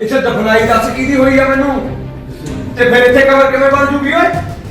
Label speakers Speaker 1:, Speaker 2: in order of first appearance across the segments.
Speaker 1: ਇੱਥੇ ਦਫਨਾਈ ਦੱਸ ਕਿਹਦੀ ਹੋਈ ਆ ਮੈਨੂੰ ਤੇ ਫਿਰ ਇੱਥੇ ਕਬਰ ਕਿਵੇਂ ਬਣ ਜੂਗੀ ਓਏ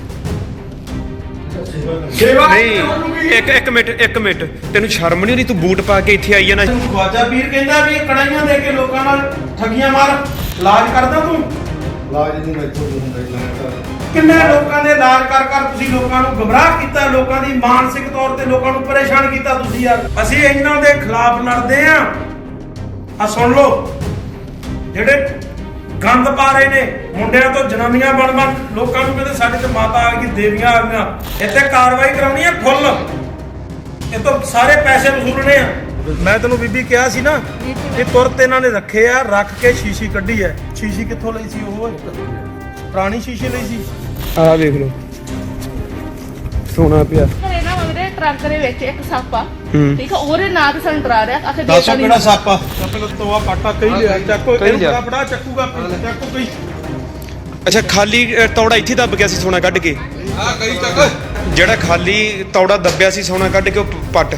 Speaker 1: ਸੇਵਾ
Speaker 2: ਨਹੀਂ ਇੱਕ ਮਿੰਟ ਤੈਨੂੰ ਸ਼ਰਮ ਨਹੀਂ ਆਉਂਦੀ ਤੂੰ ਬੂਟ ਪਾ ਕੇ ਇੱਥੇ ਆਈ ਆ ਨਾ
Speaker 3: ਖਵਾਜਾ ਪੀਰ ਕਹਿੰਦਾ ਵੀ ਇਹ ਕੜਾਈਆਂ ਦੇ ਕੇ ਲੋਕਾਂ ਨਾਲ ਠੱਗੀਆਂ ਮਾਰ ਇਲਾਜ ਕਰਦਾ ਤੂੰ
Speaker 4: ਲਾਜ ਨਹੀਂ ਮੈਥੋਂ ਨਹੀਂ ਹੁੰਦਾ ਮੈਂ
Speaker 3: ਕਿੰਨੇ ਲੋਕਾਂ ਦੇ ਇਲਾਜ ਕਰ ਤੁਸੀਂ ਲੋਕਾਂ ਨੂੰ ਗੁੰਮਰਾਹ ਕੀਤਾ ਲੋਕਾਂ ਦੀ ਮਾਨਸਿਕ ਤੌਰ ਤੇ ਲੋਕਾਂ ਨੂੰ ਪਰੇਸ਼ਾਨ ਕੀਤਾ ਤੁਸੀਂ ਯਾਰ ਅਸੀਂ ਇਹਨਾਂ ਦੇ ਖਿਲਾਫ ਲੜਦੇ ਆ ਸੁਣ ਲਓ ਜਿਹੜੇ ਗੰਦ ਪਾ ਰਹੇ ਨੇ ਮੁੰਡਿਆਂ ਤੋਂ ਜਨਾਨੀਆਂ ਬਣ ਲੋਕਾਂ ਨੂੰ ਕਹਿੰਦੇ ਸਾਡੇ ਤੇ ਮਾਤਾ ਆ ਗਈ ਦੇਵੀਆਂ ਆ ਗਈਆਂ ਇੱਥੇ ਕਾਰਵਾਈ ਕਰਾਉਣੀ ਆ ਫੁੱਲ ਇਹ ਤਾਂ ਸਾਰੇ ਪੈਸੇ ਵਸੂਲਣੇ ਆ ਮੈਂ ਤੈਨੂੰ ਬੀਬੀ ਕਿਹਾ ਸੀ ਨਾ ਇਹ ਤੁਰਤ ਇਹਨਾਂ ਨੇ ਰੱਖੇ ਆ ਰੱਖ ਕੇ ਸ਼ੀਸ਼ੀ ਕੱਢੀ ਐ ਸ਼ੀਸ਼ੀ ਕਿੱਥੋਂ ਲਈ ਸੀ ਉਹ ਪੁਰਾਣੀ ਸ਼ੀਸ਼ੀ ਲਈ ਸੀ
Speaker 2: ਆਹ ਵੇਖ ਲਓ ਸੋਨਾ ਪਿਆ
Speaker 5: ਘਰੇ ਨਾ ਮੇਰੇ ਟਰੰਕ ਦੇ ਵਿੱਚ ਇੱਕ ਸੱਪ ਆ
Speaker 2: ਹੂੰ।
Speaker 5: ਠੀਕ ਆ ਉਹਦੇ ਨਾਂ ਤੇ ਸਾਨੂੰ ਡਰਾ ਰਿਹਾ ਆਖੇ
Speaker 3: ਦੱਸੋ ਕਿਹੜਾ ਸੱਪ ਆ ਚੱਪਲ ਤੋਆ ਪਾਟਾ ਕਈ ਲਿਆ ਚੱਕੋ
Speaker 2: ਕਹੀ ਲਿਆ।
Speaker 3: ਇਹਨੂੰ ਫੜਾ ਚੱਕੂਗਾ ਚੱਕੋ ਕਈ
Speaker 2: ਅੱਛਾ ਖਾਲੀ ਤੌੜਾ ਇੱਥੇ ਦੱਬ ਗਿਆ ਸੀ ਸੋਨਾ ਕੱਢ ਕੇ
Speaker 3: ਆ ਕਈ ਚੱਕ
Speaker 2: ਜਿਹੜਾ ਖਾਲੀ ਤੌੜਾ ਦੱਬਿਆ ਸੀ ਸੋਨਾ ਕੱਢ ਕੇ ਉਹ ਪੱਟ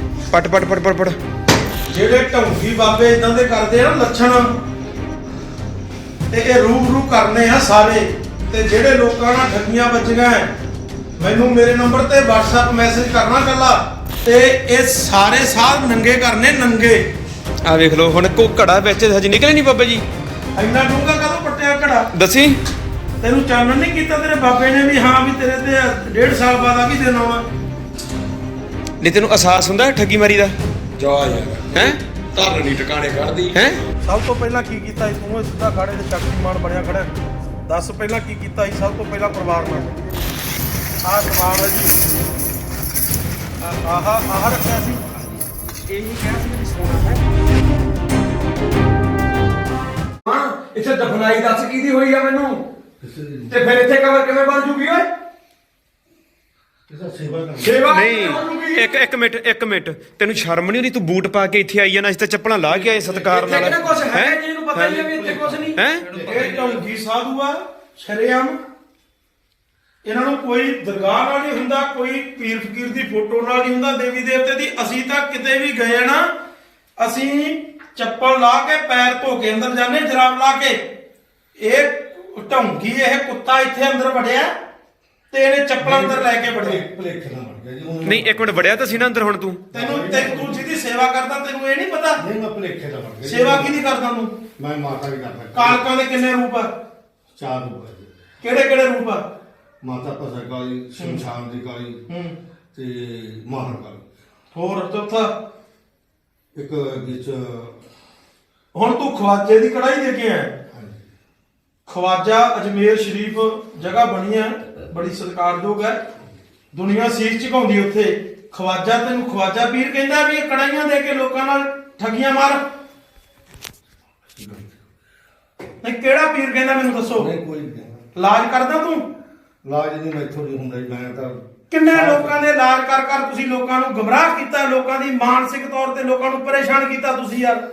Speaker 3: ਜਿਹੜੇ ਢੌਂਗੀ ਬਾਬੇ ਇਦਾਂ ਦੇ ਕਰਦੇ ਆ ਨਾ ਲੱਛਣ ਤੇ ਇਹ ਰੂ ਕਰਨੇ ਆ ਸਾਰੇ ਤੇ ਜਿਹੜੇ ਲੋਕਾਂ ਨਾਲ ਠੱਗੀਆਂ ਵੱਜੀਆਂ ਮੈਨੂੰ ਮੇਰੇ ਨੰਬਰ ਤੇ WhatsApp ਮੈਸੇਜ ਕਰਨਾ ਕੱਲਾ ਤੇ ਇਹ ਸਾਰੇ ਸਾਧ ਨੰਗੇ ਕਰਨੇ ਨੰਗੇ
Speaker 2: ਆਹ ਵੇਖ ਲਓ ਹੁਣ ਕੋ ਘੜਾ ਵਿੱਚ ਹਜੇ ਨਿਕਲੇ ਨਹੀਂ ਬਾਬਾ ਜੀ
Speaker 3: ਇੰਨਾ ਡੂੰਘਾ ਕਦੋਂ ਪੱਟਿਆ ਘੜਾ
Speaker 2: ਦੱਸੀ
Speaker 3: ਤੈਨੂੰ ਚਾਨਣ ਨਹੀਂ ਕੀਤਾ ਤੇਰੇ ਬਾਬੇ ਨੇ ਵੀ ਹਾਂ ਵੀ ਤੇਰੇ ਤੇ 1.5 ਸਾਲ ਬਾਅਦ ਆ ਵੀ ਦਿਨ ਆਉਣਾ
Speaker 2: ਨਹੀਂ ਤੈਨੂੰ ਅਹਿਸਾਸ ਹੁੰਦਾ ਠੱਗੀ ਮਾਰੀ ਦਾ
Speaker 1: ਜਾ ਯਾਰ
Speaker 2: ਹੈ
Speaker 1: ਧਰਨ ਨਹੀਂ ਟਿਕਾਣੇ ਕੱਢਦੀ
Speaker 2: ਹੈ
Speaker 3: ਸਭ ਤੋਂ ਪਹਿਲਾਂ ਕੀ ਕੀਤਾ ਸੀ ਤੂੰ ਇਹ ਸਿੱਧਾ ਖਾੜੇ ਤੇ ਸ਼ਕਤੀਮਾਨ ਬਣਿਆ ਖੜਾ ਦੱਸ ਪਹਿਲਾਂ ਕੀ ਕੀਤਾ ਸੀ ਸਭ ਤੋਂ ਪਹਿਲਾਂ ਪਰਿਵਾਰ ਨਾਲ ਆਹ ਸਮਾਨ ਹੈ ਜੀ ਆਹ ਰੱਖਿਆ ਸੀ
Speaker 2: ਇਹੀ ਕਿਹਾ ਸੀ ਕਿ ਸੋਨਾ ਹੈ
Speaker 1: ਹਾਂ ਇੱਥੇ ਦਫਨਾਈ ਦੱਸ ਕਿਹਦੀ ਹੋਈ ਆ ਮੈਨੂੰ ਤੇ ਫਿਰ ਇੱਥੇ ਕਬਰ ਕਿਵੇਂ ਬਣ ਜੂਗੀ ਓਏ ਸੇਵਾ
Speaker 2: ਨਹੀਂ ਇੱਕ ਮਿੰਟ ਤੈਨੂੰ ਸ਼ਰਮ ਨਹੀਂ ਆਉਂਦੀ ਤੂੰ ਬੂਟ ਪਾ ਕੇ ਇੱਥੇ ਆਈ ਆ ਨਾ ਅਸੀਂ ਤਾਂ ਚੱਪਲਾਂ ਲਾ ਕੇ ਆਏ ਸਤਿਕਾਰ ਨਾਲ
Speaker 1: ਇੱਥੇ ਕੁਝ ਹੈ ਜੀ ਇਹਨੂੰ ਪਤਾ ਹੀ ਆ ਵੀ ਇੱਥੇ ਕੁਝ ਨਹੀਂ
Speaker 2: ਹੈ
Speaker 3: ਇਹ ਢੌਂਗੀ ਸਾਧੂ ਆ ਸ਼ਰੇਆਮ ਇਹਨਾਂ ਨੂੰ ਕੋਈ ਦਰਗਾਹ ਨਾਲ ਨਹੀਂ ਹੁੰਦਾ ਕੋਈ ਪੀਰ ਫਕੀਰ ਦੀ ਫੋਟੋ ਨਾਲ ਨਹੀਂ ਹੁੰਦਾ ਦੇਵੀ ਦੇਵਤੇ ਦੀ ਅਸੀਂ ਤਾਂ ਕਿਤੇ ਵੀ ਗਏ ਨਾ ਅਸੀਂ ਚੱਪਲ ਲਾ ਕੇ ਪੈਰ ਧੋ ਕੇ ਅੰਦਰ ਜਾਂਦੇ ਜਰਾਬ ਲਾ ਕੇ ਇਹ ਢੌਂਗੀ ਇਹ ਕੁੱਤਾ ਇੱਥੇ ਅੰਦਰ ਵੜਿਆ ਤੇ ਇਹਨੇ ਚੱਪਲਾਂ ਅੰਦਰ ਲੈ ਕੇ ਵੜਿਆ
Speaker 4: ਭਲੇਖੇ ਨਾਲ ਮਰ ਗਿਆ ਜੀ ਉਹਨੂੰ
Speaker 2: ਨਹੀਂ ਇੱਕ ਮਿੰਟ ਵੜਿਆ ਤਾਂ ਸੀ ਨਾ ਅੰਦਰ ਹੁਣ ਤੂੰ
Speaker 3: ਤੂੰ ਜਿਹਦੀ ਸੇਵਾ ਕਰਦਾ ਤੈਨੂੰ ਇਹ ਨਹੀਂ ਪਤਾ
Speaker 4: ਨਹੀਂ ਮੈਂ ਭਲੇਖੇ ਨਾਲ ਮਰ ਗਿਆ
Speaker 3: ਸੇਵਾ ਕਿਹਦੀ ਕਰਦਾ ਤੂੰ
Speaker 4: ਮੈਂ ਮਾਤਾ ਦੀ ਕਰਦਾ
Speaker 3: ਕਾਲਕਾਂ ਦੇ ਕਿੰਨੇ ਰੂਪ ਆ
Speaker 4: 4 ਰੂਪ ਹੈ ਜੀ
Speaker 3: ਕਿਹੜੇ ਕਿਹੜੇ ਰੂਪ ਆ
Speaker 4: ਮਾਤਾ ਭਸਰ ਕਾਲੀ ਸ਼ਮਸ਼ਾਨ ਦੀ ਕਾਲੀ ਤੇ ਮਾਹਰ ਕਾਲੀ
Speaker 3: ਹੋਰ ਚੌਥਾ
Speaker 4: ਇੱਕ ਵਿੱਚ
Speaker 3: ਹੁਣ ਤੂੰ ਖਵਾਜੇ ਦੀ ਕੜਾਈ ਦੇ ਕੇ ਆਇਆ ਖਵਾਜਾ ਅਜਮੇਰ ਸ਼ਰੀਫ ਜਗ੍ਹਾ ਬਣੀ ਹੈ ਬੜੀ ਸਤਿਕਾਰਯੋਗ ਹੈ ਦੁਨੀਆ ਸੀਸ ਝੁਕਾਉਂਦੀ ਉੱਥੇ ਖਵਾਜਾ ਤੈਨੂੰ ਖਵਾਜਾ ਪੀਰ ਕਹਿੰਦਾ ਵੀ ਇਹ ਕੜਾਈਆਂ ਦੇ ਕੇ ਲੋਕਾਂ ਨਾਲ ਠੱਗੀਆਂ ਮਾਰ ਨਹੀਂ ਕਿਹੜਾ ਪੀਰ ਕਹਿੰਦਾ ਮੈਨੂੰ ਦੱਸੋ
Speaker 4: ਨਹੀਂ ਕੋਈ ਨਹੀਂ
Speaker 3: ਇਲਾਜ ਕਰਦਾ ਤੂੰ
Speaker 4: ਲਾਜ ਨਹੀਂ ਮੈਥੋਂ ਨਹੀਂ ਹੁੰਦਾ ਜੀ ਮੈਂ ਤਾਂ
Speaker 3: ਕਿੰਨੇ ਲੋਕਾਂ ਦੇ ਇਲਾਜ ਕਰ ਤੁਸੀਂ ਲੋਕਾਂ ਨੂੰ ਗੁੰਮਰਾਹ ਕੀਤਾ ਲੋਕਾਂ ਦੀ ਮਾਨਸਿਕ ਤੌਰ ਤੇ ਲੋਕਾਂ ਨੂੰ ਪਰੇਸ਼ਾਨ ਕੀਤਾ ਤੁਸੀਂ ਯਾਰ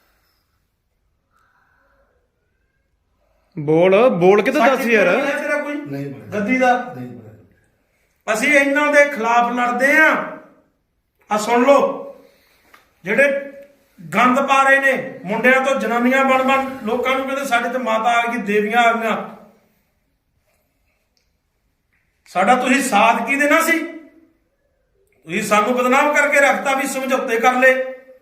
Speaker 2: ਬੋਲ ਕੇ ਤਾਂ ਦੱਸ ਯਾਰ
Speaker 3: ਤੇਰਾ ਕੋਈ
Speaker 4: ਨਹੀਂ ਬਣਿਆ
Speaker 3: ਗੱਦੀ ਦਾ
Speaker 4: ਨਹੀਂ ਬਣਿਆ
Speaker 3: ਅਸੀਂ ਇਹਨਾਂ ਦੇ ਖਿਲਾਫ ਲੜਦੇ ਆ ਸੁਣ ਲਓ ਜਿਹੜੇ ਗੰਦ ਪਾ ਰਹੇ ਨੇ ਮੁੰਡਿਆਂ ਤੋਂ ਜਨਾਨੀਆਂ ਬਣ ਲੋਕਾਂ ਨੂੰ ਕਹਿੰਦੇ ਸਾਡੇ ਤੇ ਮਾਤਾ ਆ ਗਈ ਦੇਵੀਆਂ ਆ ਗਈਆਂ ਸਾਡਾ ਤੁਸੀਂ ਸਾਥ ਕੀ ਦੇਣਾ ਸੀ ਤੁਸੀਂ ਸਾਨੂੰ ਬਦਨਾਮ ਕਰਕੇ ਰੱਖਤਾ ਵੀ ਸਮਝੌਤੇ ਕਰ ਲਏ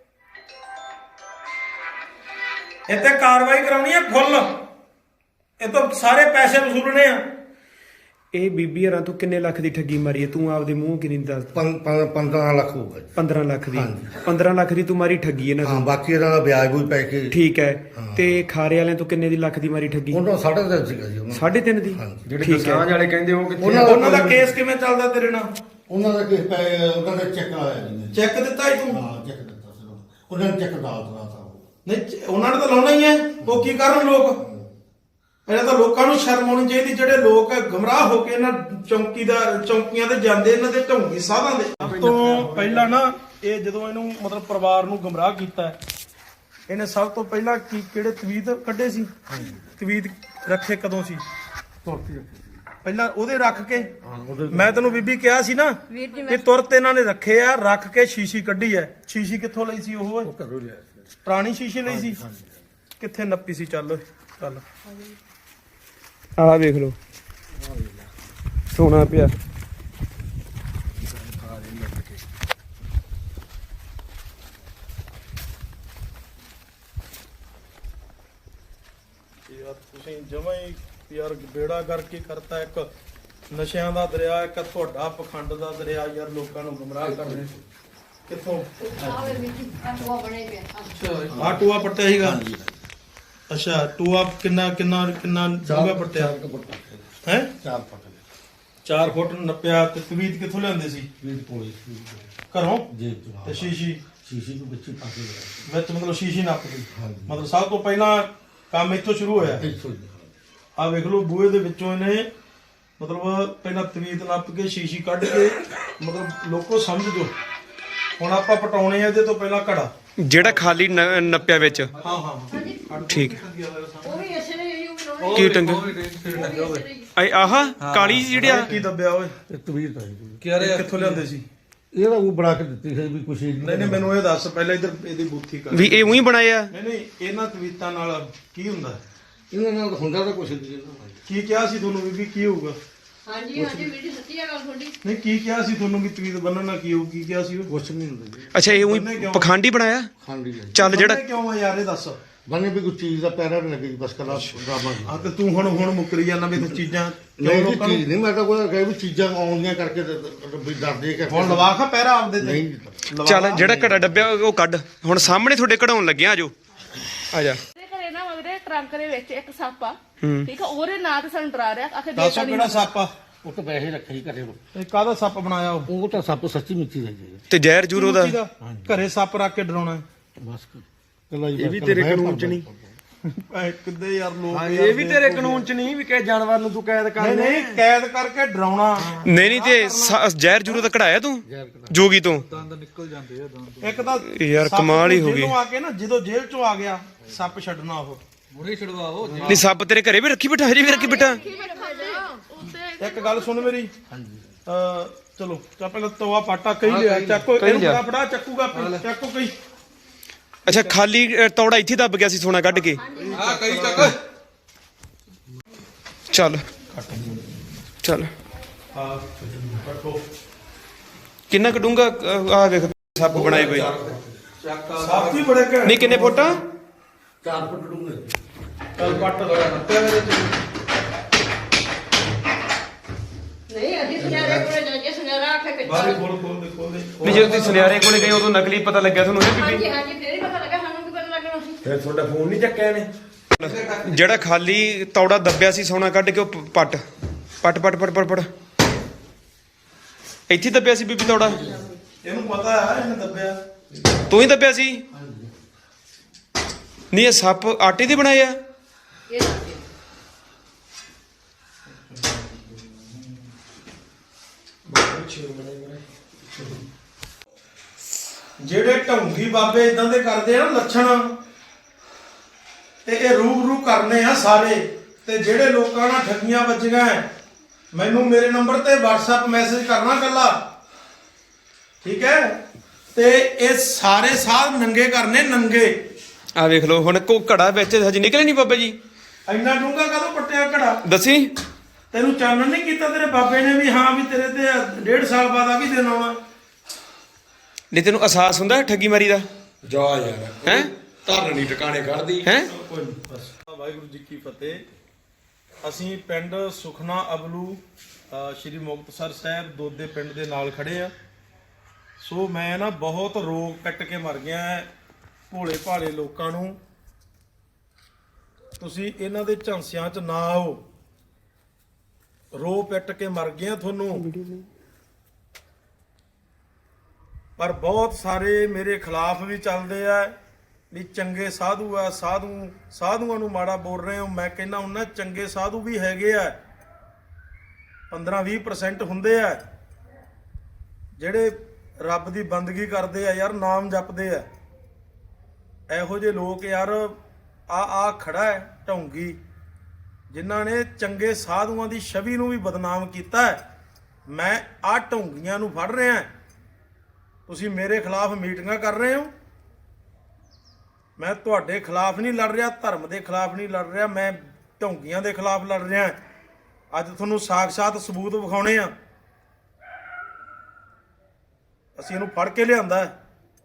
Speaker 3: ਇੱਥੇ ਕਾਰਵਾਈ ਕਰਾਉਣੀ ਆ ਫੁੱਲ ਇਹ ਤਾਂ ਸਾਰੇ ਪੈਸੇ ਵਸੂਲਣੇ ਆ
Speaker 2: ਇਹ ਬੀਬੀ ਹਰਾਂ ਤੂੰ ਕਿੰਨੇ ਲੱਖ ਦੀ ਠੱਗੀ ਮਾਰੀ ਹੈ ਤੂੰ ਆਪਦੇ ਮੂੰਹ ਕਿੰਨੀ ਦੱਸ
Speaker 4: 15 ਲੱਖ ਹੋਊਗਾ ਜੀ
Speaker 2: 15 ਲੱਖ ਦੀ
Speaker 4: ਹਾਂਜੀ।
Speaker 2: 15 ਲੱਖ ਦੀ ਤੂੰ ਮਾਰੀ ਠੱਗੀ ਇਹਨਾਂ
Speaker 4: ਹਾਂ
Speaker 2: ਤੋਂ
Speaker 4: ਬਾਕੀ ਇਹਨਾਂ ਦਾ ਵਿਆਜ ਵੀ ਪੈ ਕੇ
Speaker 2: ਠੀਕ ਹੈ ਤੇ ਖਾਰੇ ਵਾਲਿਆਂ ਤੋਂ ਕਿੰਨੇ ਦੀ ਲੱਖ ਦੀ ਮਾਰੀ ਠੱਗੀ
Speaker 4: ਉਹਨਾਂ 3.5 ਸੀਗਾ ਜੀ ਉਹਨਾਂ
Speaker 2: 3.5 ਦੀ
Speaker 4: ਹਾਂਜੀ।
Speaker 1: ਜਿਹੜੇ
Speaker 2: ਠੀਕ ਹੈ
Speaker 1: ਦਸਾਂਝ ਵਾਲੇ ਕਹਿੰਦੇ ਉਹ ਕਿੱਥੇ
Speaker 3: ਉਹਨਾਂ ਦਾ ਕੇਸ ਕਿਵੇਂ ਚੱਲਦਾ ਤੇਰੇ ਨਾਲ
Speaker 4: ਉਹਨਾਂ ਦਾ ਕਿਸ ਪੈ ਉਹਨਾਂ ਦਾ ਚੈੱਕ ਆਇਆ ਜੀ
Speaker 3: ਚੈੱਕ ਦਿੱਤਾ ਹੀ ਤੂੰ
Speaker 4: ਹਾਂ ਚੈੱਕ ਦਿੱਤਾ ਸੀ ਉਹਨਾਂ ਨੇ ਚੈੱਕ ਦਾਲ ਦਿੱਤਾ ਉਹ
Speaker 3: ਨਹੀਂ ਉਹਨਾਂ ਨੇ ਤਾਂ ਲਾਉਣਾ ਹੀ ਹੈ ਉਹ ਕੀ ਕਰਨ ਲੋਕ ਇਹਨਾਂ ਤਾਂ ਲੋਕਾਂ ਨੂੰ ਸ਼ਰਮ ਆਉਣੀ ਚਾਹੀਦੀ ਜਿਹੜੇ ਲੋਕ ਗਮਰਾਹ ਹੋ ਕੇ ਇਹਨਾਂ ਚੌਂਕੀਆਂ ਤੇ ਜਾਂਦੇ ਇਹਨਾਂ ਦੇ ਢੌਂਗੀ ਸਾਧਾਂ ਦੇ ਸਭ ਤੋਂ ਪਹਿਲਾਂ ਨਾ ਇਹ ਜਦੋਂ ਇਹਨੂੰ ਮਤਲਬ ਪਰਿਵਾਰ ਨੂੰ ਗਮਰਾਹ ਕੀਤਾ ਇਹਨੇ ਸਭ ਤੋਂ ਪਹਿਲਾਂ ਕਿਹੜੇ ਤਵੀਤ ਕੱਢੇ ਸੀ ਤਵੀਤ ਰੱਖੇ ਕਦੋਂ ਸੀ ਪਹਿਲਾਂ ਉਹਦੇ ਰੱਖ ਕੇ ਮੈਂ ਤੈਨੂੰ ਬੀਬੀ ਕਿਹਾ ਸੀ ਨਾ ਕਿ ਤੁਰਤ ਇਹਨਾਂ ਨੇ ਰੱਖੇ ਆ ਰੱਖ ਕੇ ਸ਼ੀਸ਼ੀ ਕੱਢੀ ਐ ਸ਼ੀਸ਼ੀ ਕਿੱਥੋਂ ਲਈ ਸੀ ਉਹ ਪੁਰਾਣੀ ਸ਼ੀਸ਼ੀ ਲਈ ਸੀ ਕਿੱਥੇ ਨੱਪੀ ਸੀ? ਚੱਲ ਓਏ ਚੱਲ।
Speaker 2: ਆਹ ਵੇਖ ਲਓ ਸੋਨਾ ਪਿਆ।
Speaker 3: ਯਾਰ ਤੁਸੀਂ ਜਮਾਂ ਹੀ ਯਾਰ ਬੇੜਾ ਕਰਕੇ ਕਰਤਾ। ਇੱਕ ਨਸ਼ਿਆਂ ਦਾ ਦਰਿਆ, ਇੱਕ ਤੁਹਾਡਾ ਪਖੰਡ ਦਾ ਦਰਿਆ। ਯਾਰ ਲੋਕਾਂ ਨੂੰ ਗੁੰਮਰਾਹ ਕਰਦੇ ਕਿੱਥੋਂ? ਆ ਟੂਆ ਪੱਟਿਆ ਸੀਗਾ। ਅੱਛਾ ਟੂਆ ਕਿੰਨਾ ਕਿੰਨਾ ਕਿੰਨਾ ਡੂੰਘਾ ਪੱਟਿਆ ਹੈ?
Speaker 4: 4 ਫੁੱਟ
Speaker 3: 4 ਫੁੱਟ ਨੱਪਿਆ। ਤੇ ਤਵੀਤ ਕਿੱਥੋਂ ਲਿਆਂਦੇ ਸੀ?
Speaker 4: ਵੀਰ ਪੋਲੀ
Speaker 3: ਘਰੋਂ?
Speaker 4: ਜੇਬ ਤੋਂ
Speaker 3: ਤੇ ਸ਼ੀਸ਼ੀ
Speaker 4: ਸ਼ੀਸ਼ੀ ਨੂੰ ਵਿੱਚ ਪਾ ਕੇ ਲਿਆ
Speaker 3: ਵਿੱਚ ਮਤਲਬ ਸ਼ੀਸ਼ੀ ਨੱਪਦੀ।
Speaker 4: ਹਾਂਜੀ।
Speaker 3: ਮਤਲਬ ਸਭ ਤੋਂ ਪਹਿਲਾਂ ਕੰਮ ਇੱਥੋਂ ਸ਼ੁਰੂ ਹੋਇਆ।
Speaker 4: ਇੱਥੋਂ ਹੀ।
Speaker 3: ਆ ਵੇਖ ਲਓ ਬੂਹੇ ਦੇ ਵਿੱਚੋਂ ਇਹਨੇ ਮਤਲਬ ਪਹਿਲਾਂ ਤਵੀਤ ਨੱਪ ਕੇ ਸ਼ੀਸ਼ੀ ਕੱਢ ਕੇ ਮਤਲਬ ਲੋਕੋ ਸਮਝ ਜੋ। ਹੁਣ ਆਪਾਂ ਪਟਾਉਣੇ ਆ ਇਹਦੇ ਤੋਂ ਪਹਿਲਾਂ ਘੜਾ
Speaker 2: ਜਿਹੜਾ ਖਾਲੀ ਨੱਪਿਆ ਵਿੱਚ।
Speaker 3: ਹਾਂ ਹਾਂ
Speaker 2: ਠੀਕ ਹੈ।
Speaker 6: ਉਹ ਵੀ ਇਸੇ ਨੇ ਹੀ
Speaker 2: ਕੀ ਟੰਗ ਆਹ ਕਾਲੀ ਜਿਹੀ ਜਿਹੜੀ ਆ
Speaker 3: ਕੀ ਦੱਬਿਆ ਓਏ?
Speaker 4: ਇਹ ਤਵੀਰ ਤਾਂ
Speaker 3: ਇਹ ਕਿੱਥੋਂ ਲਿਆਂਦੇ ਸੀ?
Speaker 4: ਇਹਦਾ ਉਹ ਬਣਾ ਕੇ ਦਿੱਤੀ ਸੀ ਵੀ ਕੁਛ
Speaker 3: ਨਹੀਂ ਨਹੀਂ ਮੈਨੂੰ ਇਹ ਦੱਸ ਪਹਿਲਾਂ ਇੱਧਰ ਇਹਦੀ ਬੂਥੀ ਕਰ।
Speaker 2: ਵੀ ਇਹ ਉਹੀ ਬਣਾਇਆ।
Speaker 3: ਨਹੀਂ ਨਹੀਂ ਇਹਨਾਂ ਤਵੀਤਾਂ ਨਾਲ ਕੀ ਹੁੰਦਾ?
Speaker 4: ਇਹਨਾਂ ਨਾਲ ਹੁੰਦਾ ਤਾਂ ਕੁਛ ਨਹੀਂ ਇਹਨਾਂ
Speaker 3: ਕੀ ਕਿਹਾ ਸੀ ਤੁਹਾਨੂੰ ਵੀ ਕੀ ਹੋਊਗਾ?
Speaker 6: ਹਾਂਜੀ ਹਾਂਜੀ ਵੀਡੀ ਸੱਚੀ ਆ ਗੱਲ ਤੁਹਾਡੀ।
Speaker 3: ਨਹੀਂ ਕੀ ਕਿਹਾ ਸੀ ਤੁਹਾਨੂੰ ਵੀ ਤਵੀਤ ਬੰਨਣ ਨਾਲ ਕੀ ਹੋਊ? ਕੀ ਕਿਹਾ ਸੀ?
Speaker 4: ਕੁਛ ਨਹੀਂ ਹੁੰਦਾ ਜੀ।
Speaker 2: ਅੱਛਾ ਇਹ ਉਹੀ ਪਖੰਡੀ ਬਣਾਇਆ।
Speaker 4: ਖਾਂਡੀ ਹੈ
Speaker 2: ਚੱਲ ਜਿਹੜਾ
Speaker 3: ਬੰਨ੍ਹੇ ਕਿਉਂ ਆ ਯਾਰ ਇਹ ਦੱਸ?
Speaker 4: ਬਣੇ ਵੀ ਕੋਈ ਚੀਜ਼ ਦਾ ਪੈਰਾ ਨਹੀਂ ਲੱਗੇ ਜੀ, ਬਸ ਕਲਾ ਡਰਾਮਾ
Speaker 3: ਆ ਤੇ ਤੂੰ ਹੁਣ ਮੁੱਕਰੀ ਜਾਂਦਾ ਵੀ ਤੂੰ ਚੀਜ਼ਾਂ ਕਿਉਂ
Speaker 4: ਨਹੀਂ ਜੀ
Speaker 3: ਲੋਕਾਂ ਨੂੰ
Speaker 4: ਚੀਜ਼ ਨਹੀਂ, ਮੈਂ ਤਾਂ ਕੋਈ ਕਹੇ ਵੀ ਚੀਜ਼ਾਂ ਆਉਂਦੀਆਂ ਕਰਕੇ ਵੀ ਡਰਦੇ ਕਿ
Speaker 3: ਹੁਣ ਲਵਾ ਖਾ ਪਹਿਰਾ ਆਪਦੇ ਤੇ।
Speaker 4: ਨਹੀਂ
Speaker 3: ਲਵਾ
Speaker 2: ਚੱਲ
Speaker 3: ਲਾ।
Speaker 2: ਜਿਹੜਾ ਘੜਾ ਡੱਬਿਆ ਉਹ ਕੱਢ। ਹੁਣ ਸਾਹਮਣੇ ਤੁਹਾਡੇ ਕਢਾਉਣ ਲੱਗਿਆ। ਆਜੋ ਆ ਜਾ।
Speaker 5: ਤੇ ਘਰੇ ਨਾ ਮੇਰੇ ਟਰੰਕ ਦੇ ਵਿੱਚ ਇੱਕ ਸੱਪ ਆ।
Speaker 2: ਹੂੰ।
Speaker 5: ਠੀਕ ਆ ਉਹਦੇ ਨਾਂ ਤੇ ਸਾਨੂੰ ਡਰਾ ਰਿਹਾ। ਆਖੇ
Speaker 3: ਦੱਸੋ ਕਿਹੜਾ ਸੱਪ ਆ?
Speaker 4: ਉਹ ਤਾਂ ਵੈਸੇ ਰੱਖਿਆ ਹੀ ਘਰੇ
Speaker 3: ਇਹ ਕਾਹਦਾ ਸੱਪ ਬਣਾਇਆ
Speaker 4: ਉਹ ਤਾਂ ਸੱਪ ਸੱਚੀ ਮਿੱਟੀ ਦਾ ਜੀ
Speaker 2: ਤੇ ਜ਼ਹਿਰ ਜੂਰ ਉਹਦਾ।
Speaker 3: ਘਰੇ ਸੱਪ ਰੱਖ ਕੇ ਡਰਾਉਣਾ?
Speaker 4: ਬਸ ਕਲਾ
Speaker 1: ਇਹ ਵੀ ਤੇਰੇ ਕਾਨੂੰਨ ਚ ਨਹੀਂ।
Speaker 3: ਐ ਕਿੱਦੇ ਯਾਰ ਲੋਕ
Speaker 1: ਹਾਂ
Speaker 3: ਯਾਰ
Speaker 1: ਇਹ ਵੀ ਤੇਰੇ ਕਾਨੂੰਨ ਚ ਨਹੀਂ ਵੀ ਕਿਸੇ ਜਾਨਵਰ ਨੂੰ ਤੂੰ ਕੈਦ ਕਰ
Speaker 3: ਨਹੀਂ ਨਹੀਂ ਕੈਦ ਕਰਕੇ ਡਰਾਉਣਾ।
Speaker 2: ਨਹੀਂ ਨਹੀਂ ਤੇ ਜ਼ਹਿਰ ਜੂਰ ਉਹਦਾ ਕਢਾਇਆ ਤੂੰ ਜੋਗੀ ਤੋਂ।
Speaker 3: ਇੱਕ ਤਾਂ
Speaker 2: ਯਾਰ
Speaker 3: ਸੱਪ
Speaker 2: ਇੱਕ ਹੀ ਹੋ ਗਈ।
Speaker 3: ਜੇਲ੍ਹੋਂ ਆ ਕੇ ਨਾ ਜਦੋਂ ਜੇਲ੍ਹ ਚੋਂ ਆ ਗਿਆ ਸੱਪ ਛੱਡਣਾ ਉਹ।
Speaker 2: ਨਹੀਂ ਸੱਪ ਤੇਰੇ ਘਰੇ ਵੀ ਰੱਖੀ ਬਿਠਾ, ਹਜੇ ਵੀ ਰੱਖੀ ਬਿਠਾ।
Speaker 3: ਇੱਕ ਗੱਲ ਸੁਣ ਮੇਰੀ। ਚਲੋ ਚਾ ਪਹਿਲਾਂ ਤਵਾ ਪਾਟਾ ਕਹੀ ਲਿਆ। ਚੱਕੋ
Speaker 2: ਕਹੀ
Speaker 3: ਇਹਨੂੰ
Speaker 2: ਲਿਆ।
Speaker 3: ਫੜਾ ਫੜਾ ਚੱਕੂਗਾ ਆਪੇ। ਚੱਕੋ ਕਈ।
Speaker 2: ਅੱਛਾ ਖਾਲੀ ਤੌੜਾ ਇੱਥੇ ਦੱਬ ਗਿਆ ਸੀ ਸੋਨਾ ਕੱਢ ਕੇ।
Speaker 1: ਹਾਂ ਕਈ ਚੱਕ।
Speaker 2: ਚੱਲ ਚੱਲ
Speaker 3: ਹਾਂ ਰੱਖੋ।
Speaker 2: ਕਿੰਨਾ ਕਢੂੰਗਾ? ਆ ਵੇਖ ਸੱਪ ਬਣਾਏ ਪਏ।
Speaker 3: ਸੱਪ ਵੀ ਬੜੇ ਘੈਂਟ।
Speaker 2: ਨਹੀਂ ਕਿੰਨੇ ਫੁੱਟ?
Speaker 4: 4 ਫੁੱਟ ਡੂੰਘੇ
Speaker 3: ਚੱਲ ਪੱਟ ਲਗਾ ਨੱਪਿਆ ਮੇਰੇ ਤੇ।
Speaker 6: ਨਹੀਂ ਅਸੀਂ ਸੁਨਿਆਰੇ ਕੋਲੇ ਜਾ ਕੇ ਸੁਨਿਆਰਾ ਆਖੇ
Speaker 3: ਬਾਹਰ
Speaker 6: ਕੱਚਾ।
Speaker 3: ਖੋਲ ਦੇ
Speaker 2: ਨਹੀਂ ਜਦੋਂ ਤੁਸੀਂ ਸੁਨਿਆਰੇ ਕੋਲੇ ਗਏ ਉਦੋਂ ਨਕਲੀ ਪਤਾ ਲੱਗਿਆ ਤੁਹਾਨੂੰ ਇਹ
Speaker 6: ਹਾਂਜੀ
Speaker 2: ਬੀਬੀ?
Speaker 6: ਹਾਂਜੀ ਫੇਰ ਹੀ ਪਤਾ ਲੱਗਾ ਸਾਨੂੰ ਵੀ ਪਤਾ ਲੱਗਣਾ ਸੀ।
Speaker 1: ਫਿਰ ਤੁਹਾਡਾ ਫੋਨ ਨਹੀਂ ਚੱਕਿਆ ਇਹਨੇ?
Speaker 2: ਜਿਹੜਾ ਖਾਲੀ ਤੌੜਾ ਦੱਬਿਆ ਸੀ ਸੋਨਾ ਕੱਢ ਕੇ ਉਹ ਪੱਟ ਪੱਟ ਪੱਟ ਪੱਟ ਪੱਟ ਪੱਟ ਇੱਥੇ ਦੱਬਿਆ ਸੀ ਬੀਬੀ ਤੌੜਾ।
Speaker 3: ਇਹਨੂੰ ਪਤਾ ਹੈ ਇਹਨੇ ਦੱਬਿਆ।
Speaker 2: ਤੂੰ ਹੀ ਦੱਬਿਆ ਸੀ? ਨਹੀਂ ਇਹ ਸੱਪ ਆਟੇ ਦੇ ਬਣਾਏ ਆ।
Speaker 6: ਇਹ ਦੱਸਦੇ
Speaker 3: ਜਿਹੜੇ ਢੌਂਗੀ ਬਾਬੇ ਇਦਾਂ ਦੇ ਕਰਦੇ ਆ ਨਾ ਲੱਛਣ ਤੇ ਇਹ ਰੂਬਰੂ ਕਰਨੇ ਆ ਸਾਰੇ। ਤੇ ਜਿਹੜੇ ਲੋਕਾਂ ਨਾਲ ਠੱਗੀਆਂ ਵੱਜੀਆਂ ਮੈਨੂੰ ਮੇਰੇ ਨੰਬਰ ਤੇ WhatsApp ਮੈਸੇਜ ਕਰਨਾ ਕੱਲਾ। ਠੀਕ ਹੈ? ਤੇ ਇਹ ਸਾਰੇ ਸਾਧ ਨੰਗੇ ਕਰਨੇ ਨੰਗੇ।
Speaker 2: ਆ ਵੇਖ ਲਓ ਹੁਣ ਕੋ ਘੜਾ ਵਿੱਚ ਹਜੇ ਨਿਕਲੇ ਨਹੀਂ ਬਾਬਾ ਜੀ।
Speaker 3: ਇੰਨਾ ਡੂੰਘਾ ਕਦੋਂ ਪੱਟਿਆ ਘੜਾ?
Speaker 2: ਦੱਸੀ।
Speaker 3: ਤੈਨੂੰ ਚਾਨਣ ਨਹੀਂ ਕੀਤਾ ਤੇਰੇ ਬਾਬੇ ਨੇ ਵੀ ਹਾਂ ਵੀ ਤੇਰੇ ਤੇ 1.5 ਸਾਲ ਬਾਅਦ ਆ ਵੀ ਦਿਨ ਆਉਣਾ?
Speaker 2: ਨਹੀਂ ਤੈਨੂੰ ਅਹਿਸਾਸ ਹੁੰਦਾ ਠੱਗੀ ਮਾਰੀ ਦਾ?
Speaker 1: ਜਾ ਯਾਰ
Speaker 2: ਹੈ
Speaker 1: ਧਰਨ ਨਹੀਂ ਟਿਕਾਣੇ ਕੱਢਦੀ।
Speaker 2: ਹੈ
Speaker 3: ਕੋਈ ਨਹੀਂ ਬਸ। ਵਾਹਿਗੁਰੂ ਜੀ ਕੀ ਫਤਿਹ। ਅਸੀਂ ਪਿੰਡ ਸੁਖਨਾ ਅਬਲੂ ਸ਼੍ਰੀ ਮੁਕਤਸਰ ਸਾਹਿਬ ਦੋਦੇ ਪਿੰਡ ਦੇ ਨਾਲ ਖੜੇ ਆ। ਸੋ ਮੈਂ ਨਾ ਬਹੁਤ ਰੋਗ ਕੱਟ ਕੇ ਮਰ ਗਿਆ ਭੋਲੇ ਭਾਲੇ ਲੋਕਾਂ ਨੂੰ। ਤੁਸੀਂ ਇਹਨਾਂ ਦੇ ਝਾਂਸਿਆਂ 'ਚ ਨਾ ਆਓ। ਰੋ ਪਿੱਟ ਕੇ ਮਰ ਗਿਆ ਤੁਹਾਨੂੰ। ਪਰ ਬਹੁਤ ਸਾਰੇ ਮੇਰੇ ਖਿਲਾਫ ਵੀ ਚੱਲਦੇ ਆ ਵੀ ਚੰਗੇ ਸਾਧੂ ਆ, ਸਾਧੂਆਂ ਨੂੰ ਮਾੜਾ ਬੋਲ ਰਹੇ ਹੋ। ਮੈਂ ਕਹਿੰਦਾ ਉਹਨਾਂ ਚੰਗੇ ਸਾਧੂ ਵੀ ਹੈਗੇ ਆ। 15-20% ਹੁੰਦੇ ਆ ਜਿਹੜੇ ਰੱਬ ਦੀ ਬੰਦਗੀ ਕਰਦੇ ਆ ਯਾਰ, ਨਾਮ ਜਪਦੇ ਆ। ਇਹੋ ਜਿਹੇ ਲੋਕ ਯਾਰ ਆ ਖੜਾ ਹੈ ਢੌਂਗੀ ਜਿਨ੍ਹਾਂ ਨੇ ਚੰਗੇ ਸਾਧੂਆਂ ਦੀ ਛਵੀ ਨੂੰ ਵੀ ਬਦਨਾਮ ਕੀਤਾ ਹੈ। ਮੈਂ ਆ ਢੌਂਗੀਆਂ ਨੂੰ ਫੜ ਰਿਹਾ। ਤੁਸੀਂ ਮੇਰੇ ਖਿਲਾਫ ਮੀਟਿੰਗਾਂ ਕਰ ਰਹੇ ਹੋ। ਮੈਂ ਤੁਹਾਡੇ ਖਿਲਾਫ ਨਹੀਂ ਲੜ ਰਿਹਾ, ਧਰਮ ਦੇ ਖਿਲਾਫ ਨਹੀਂ ਲੜ ਰਿਹਾ, ਮੈਂ ਢੋਂਗੀਆਂ ਦੇ ਖਿਲਾਫ ਲੜ ਰਿਹਾ। ਅੱਜ ਤੁਹਾਨੂੰ ਸਾਖ-ਸਾਤ ਸਬੂਤ ਵਿਖਾਉਣੇ ਆ। ਅਸੀਂ ਇਹਨੂੰ ਫੜ ਕੇ ਲਿਆਂਦਾ ਹੈ।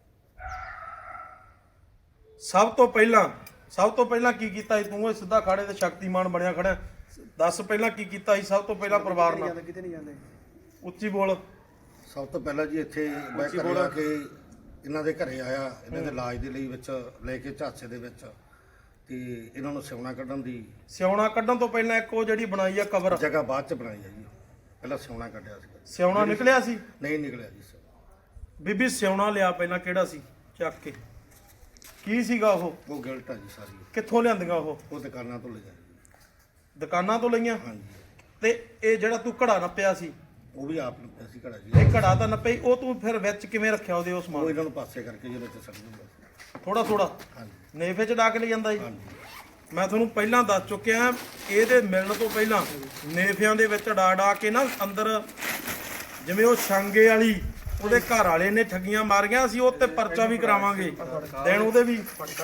Speaker 3: ਸਭ ਤੋਂ ਪਹਿਲਾਂ ਕੀ ਕੀਤਾ ਸੀ ਤੂੰ? ਇਹ ਸਿੱਧਾ ਖਾੜੇ ਤੇ ਸ਼ਕਤੀਮਾਨ ਬਣਿਆ ਖੜਾ। ਦੱਸ ਪਹਿਲਾਂ ਕੀ ਕੀਤਾ ਸੀ? ਸਭ ਤੋਂ ਪਹਿਲਾਂ ਪਰਿਵਾਰ ਨਾਲ ਕਿਤੇ ਨਹੀਂ ਜਾਂਦੇ, ਉੱਚੀ ਬੋਲ।
Speaker 4: ਸਭ ਤੋਂ ਪਹਿਲਾਂ ਜੀ ਇੱਥੇ ਮੈਂ ਘਰੇ ਆ ਕੇ ਇਹਨਾਂ ਦੇ ਘਰੇ ਆਇਆ, ਇਹਨਾਂ ਦੇ ਇਲਾਜ ਦੇ ਲਈ ਵਿੱਚ ਲੈ ਕੇ ਝਾਂਸੇ ਦੇ ਵਿੱਚ, ਤੇ ਇਹਨਾਂ ਨੂੰ ਸਿਉਣਾ ਕੱਢਣ ਦੀ
Speaker 3: ਸਿਉਣਾ ਕੱਢਣ ਤੋਂ ਪਹਿਲਾਂ ਇੱਕ ਉਹ ਜਿਹੜੀ ਬਣਾਈ ਆ ਕਬਰ,
Speaker 4: ਜਗ੍ਹਾ ਬਾਅਦ ਚ ਬਣਾਈ ਹੈ ਜੀ। ਪਹਿਲਾਂ ਸਿਉਣਾ ਕੱਢਿਆ ਸੀ।
Speaker 3: ਸਿਉਣਾ ਨਿਕਲਿਆ ਸੀ?
Speaker 4: ਨਹੀਂ ਨਿਕਲਿਆ ਜੀ ਸਿਉਣਾ।
Speaker 3: ਬੀਬੀ ਸਿਉਣਾ ਲਿਆ ਪਹਿਲਾਂ, ਕਿਹੜਾ ਸੀ? ਚੱਕ ਕੇ ਕੀ ਸੀਗਾ ਉਹ
Speaker 4: ਗਿਲਟ ਆ ਜੀ ਸਾਰੀ।
Speaker 3: ਕਿੱਥੋਂ ਲਿਆਂਦੀਆਂ ਉਹ
Speaker 4: ਦੁਕਾਨਾਂ ਤੋਂ ਲਿਆ ਜੀ।
Speaker 3: ਦੁਕਾਨਾਂ ਤੋਂ ਲਈਆਂ?
Speaker 4: ਹਾਂਜੀ।
Speaker 3: ਤੇ ਇਹ ਜਿਹੜਾ ਤੂੰ ਘੜਾ ਨੱਪਿਆ ਸੀ
Speaker 4: ਉਹ ਵੀ ਆਪ ਨੂੰ ਸੀ ਘੜਾ ਜੀ।
Speaker 3: ਇਹ ਘੜਾ ਤਾਂ ਨੱਪੇ, ਉਹ ਤੂੰ ਫਿਰ ਵਿੱਚ ਕਿਵੇਂ ਰੱਖਿਆ ਉਹਦੇ? ਉਸ
Speaker 4: ਉਹ
Speaker 3: ਸਮਾਨ
Speaker 4: ਇਹਨਾਂ ਨੂੰ ਪਾਸੇ ਕਰਕੇ ਜਿਹਦੇ ਵਿੱਚ ਸੜ ਜਾਂਦਾ
Speaker 3: ਥੋੜਾ
Speaker 4: ਹਾਂਜੀ।
Speaker 3: ਨੇਫੇ ਚ ਡਾਕ ਲੈ ਜਾਂਦਾ ਜੀ।
Speaker 4: ਹਾਂਜੀ।
Speaker 3: ਮੈਂ ਤੁਹਾਨੂੰ ਪਹਿਲਾਂ ਦੱਸ ਚੁੱਕਿਆ, ਇਹਦੇ ਮਿਲਣ ਤੋਂ ਪਹਿਲਾਂ ਨੇਫਿਆਂ ਦੇ ਵਿੱਚ ਡਾ ਕੇ ਨਾ ਅੰਦਰ, ਜਿਵੇਂ ਉਹ ਛਾਂਗੇ ਵਾਲੀ ਉਹਦੇ ਘਰ ਵਾਲੇ ਨੇ ਠੱਗੀਆਂ ਮਾਰੀਆਂ ਸੀ, ਉਹ ਤੇ ਪਰਚਾ ਵੀ ਕਰਾਵਾਂਗੇ ਦੇਣ ਉਹਦੇ ਵੀ।